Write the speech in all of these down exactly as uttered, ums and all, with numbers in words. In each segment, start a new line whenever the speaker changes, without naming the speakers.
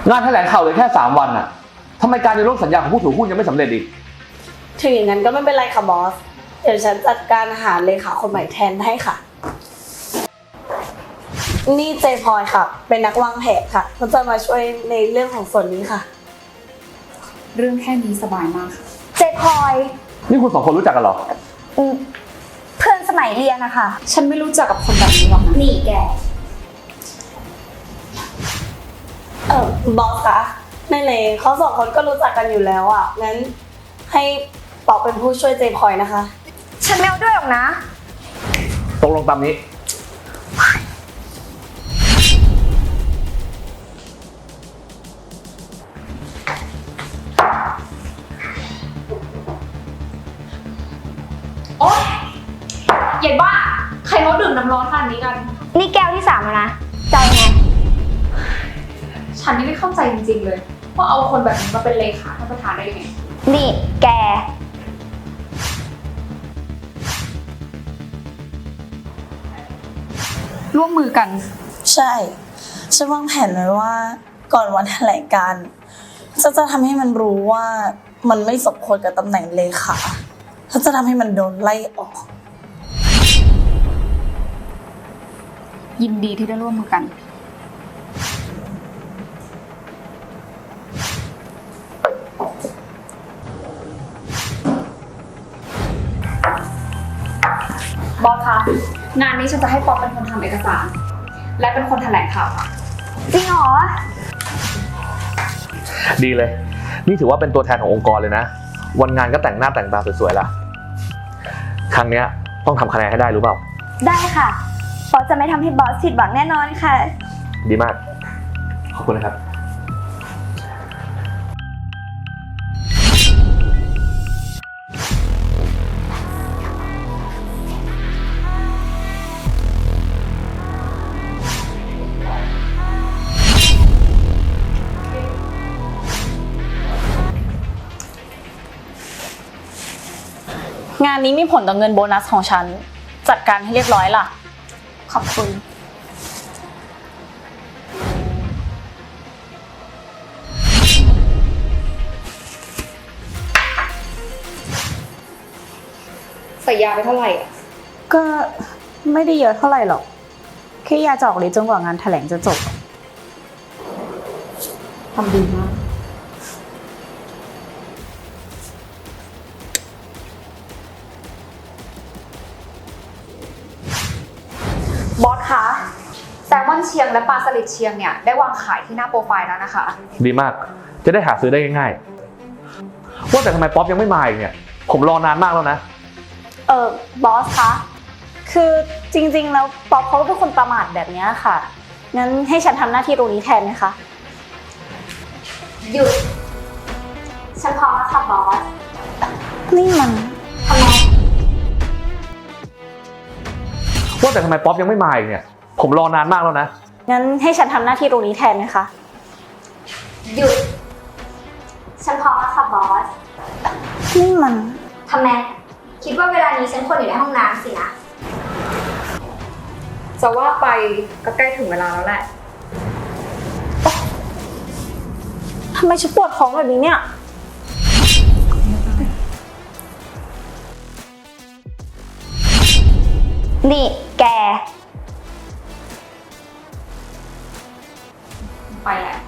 งานแถลงข่าวเลยแค่สามวันอะทำไมการยกเลิกสัญญาของผู้ถือหุ้นยังไม่สำเร็จอีก
ถึงอย่างนั้นก็ไม่เป็นไรค่ะบอสเดี๋ยวฉันจัดการหาเลขาคนใหม่แทนให้ค่ะนี่เจพลอยค่ะเป็นนักวางแผนค่ะเขาจะมาช่วยในเรื่องของส่วนนี้ค่ะ
เรื่องแค่นี้สบายมากค่ะ
เจพลอย
นี่คุณสองคนรู้จักกันเหรอ
อืมเพื่อนสมัยเรียนนะคะ
ฉันไม่รู้จักกับคนแบบนี้หรอกนะ
นี่แก
เออบอสคะในในเขาสองคนก็รู้จักกันอยู่แล้วอ่ะงั้นให้ปอกเป็นผู้ช่วยเจพลอยนะคะ
ฉันไม่เอาด้วยหรอกนะ
ตกลงตามนี้
โอ๊ยเย็นบ้าใครเขาดื่มน้ำร้อนขนาดนี้กัน
นี่แก้วที่สามแล้วนะจะเอาไง
ฉันนี่ไม่เข้าใจจริงๆเลยว่าเอาคนแบบนี้มาเป็นเลขาท่านประธานได้ยังไง
นี่แก
ร่วมมือกัน
ใช่ฉันวางแผนไว้ว่าก่อนวันแถลงการฉันจะทำให้มันรู้ว่ามันไม่สมควรกับตำแหน่งเลขาฉันจะทำให้มันโดนไล่ออก
ยินดีที่ได้ร่วมมือกันบอสคะงานนี้ฉันจะให้ป๊อปเป็นคนทำเอกสารและเป็นคนแถลงข่าวค่ะ
จริงเหรอ
ดีเลยนี่ถือว่าเป็นตัวแทนขององค์กรเลยนะวันงานก็แต่งหน้าแต่งตาสวยๆละครั้งนี้ต้องทำคะแนนให้ได้รู้เปล่า
ได้ค่ะบอสจะไม่ทำให้บอสผิดหวังแน่นอนค่ะ
ดีมากขอบคุณนะครับ
งานนี้มีผลต่อเงินโบนัสของฉันจัดการให้เรียบร้อยล่ะขอบคุณ
ใส่ยาไปเท่าไหร่อ่ะ
ก็ไม่ได้เยอะเท่าไหร่หรอกแค่ยาจะออกฤทธิ์จนกว่างานแถลงจะจบ
ทำดีมากบอสคะแซลมอนเชียงและปลาสลิดเชียงเนี่ยได้วางขายที่หน้าโปรไฟล์แล้วนะคะ
ดีมากจะได้หาซื้อได้ง่ายๆว่าแต่ทำไมป๊อปยังไม่มาอีกเนี่ยผมรอนานมากแล้วนะ
เออบอสคะคือจริงๆแล้วป๊อปเขาเป็นคนประมาทแบบนี้ค่ะงั้นให้ฉันทำหน้าที่ตรงนี้แทนไหมคะ
หยุดฉันพร้อมแล้วค่ะบอส
นี่มัน
ทำไม
ว่าแต่ทำไมป๊อปยังไม่มาอีกเนี่ยผมรอนานมากแล้วนะ
งั้นให้ฉันทำหน้าที่ตรงนี้แทนไหมคะ
หยุดฉันพร้อมแล้วค่ะบอส
นี่มัน
ทำไมคิดว่าเวลานี้ฉันควรอยู่ในห้องน้ำสินะ
จะว่าไปก็ใกล้ถึงเวลาแล้วแหละ
ทำไมฉันปวดท้องแบบนี้เนี่ย
นี่แก
ไปแหละ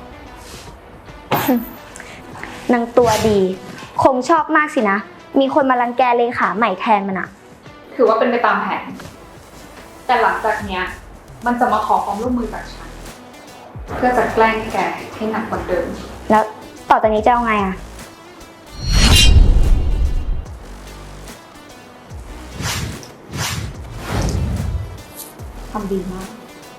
นางตัวดีคงชอบมากสินะมีคนมารังแกเลขาใหม่แทนมันอะ
ถือว่าเป็นไปตามแผนแต่หลังจากเนี้ยมันจะมาขอความร่วมมือจากฉันเพื่อจะแกล้งแกให้หนักกว่าเดิม
แล้วต่อจากนี้จะเอาไงอะ
ทำดีมาก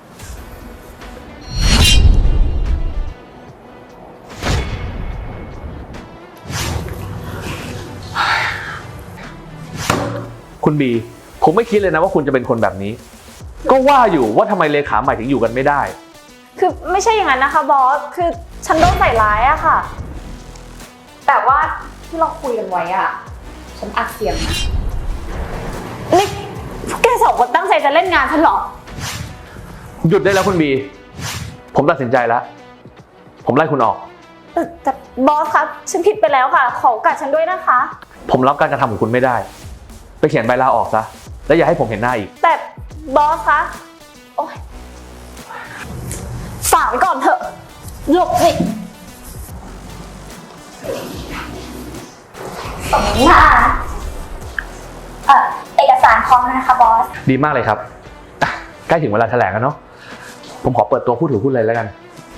คุณบีผมไม่คิดเลยนะว่าคุณจะเป็นคนแบบนี้ก็ว่าอยู่ว่าทำไมเลขาใหม่ถึงอยู่กันไม่ได้
คือไม่ใช่อย่างนั้นนะคะบอสคือฉันโดนใส่ร้ายอะค่ะ
แต่ว่าที่เราคุยกันไว้อะฉันอัดเสียงนะ
นี่พวกแกสองคนตั้งใจจะเล่นงานฉันเหรอ
หยุดได้แล้วคุณบีผมตัดสินใจแล้วผมไล่คุณออก
แต่แต่บอสคะฉันผิดไปแล้วค่ะ ขอโอกาสฉันด้วยนะคะ
ผมรับการกระทำของคุณไม่ได้ ไปเขียนใบลาออกซะ แล้วอย่าให้ผมเห็นหน้าอีก
แต่บอสคะ โอ๊ยฝากไว้ก่อนเถอะ หลบสิสมหน้าเอ่อเอกสารพร้อมแล้วนะคะบอส
ดีมากเลยครับอ่ะใกล้ถึงเวลาแถลงแล้วเนาะ ผมขอเปิดตัวผู้ถือหุ้นเลยแล้วกัน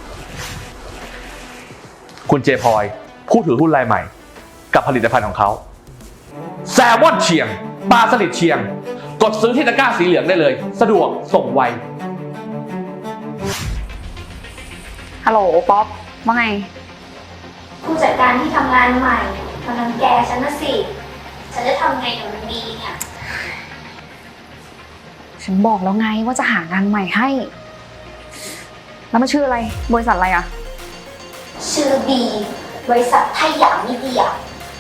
คุณเจพลอย ผู้ถือหุ้นรายใหม่ กับผลิตภัณฑ์ของเขาแซลมอนเชียง ปลาสลิดเชียง กดซื้อที่ตะกร้าสีเหลืองได้เลย สะดวกส่งไว
ฮัลโหลป๊อปว่าไง
ผู้จัดการที่ทำงานใหม่กำลังแกฉันนะสิ ฉันจะทำไงกับมันดีเนี่ย
ฉันบอกแล้วไงว่าจะหางานใหม่ให้ แล้วมันชื่ออะไร บริษัทอะไรอะ
ชื่อบีบริษัทไทยหยางมีเดีย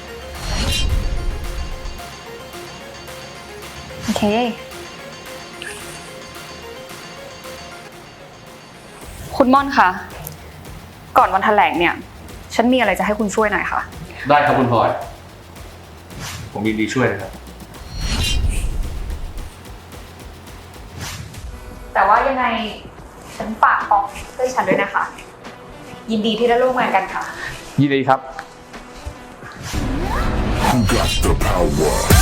โอเค คุณม่อนคะ ก่อนวันแถลงเนี่ย ฉันมีอะไรจะให้คุณช่วยหน่อยค่ะ
ได้ครับคุณพลอย ผมยินดีช่วยนะครับ
แต่ว่ายังไงฉันฝากป๊อปด้วยฉันด้วยนะคะ ยินดีที่ได้ร่วมงานกันค่ะ
ยินดีครับ
Who got the power?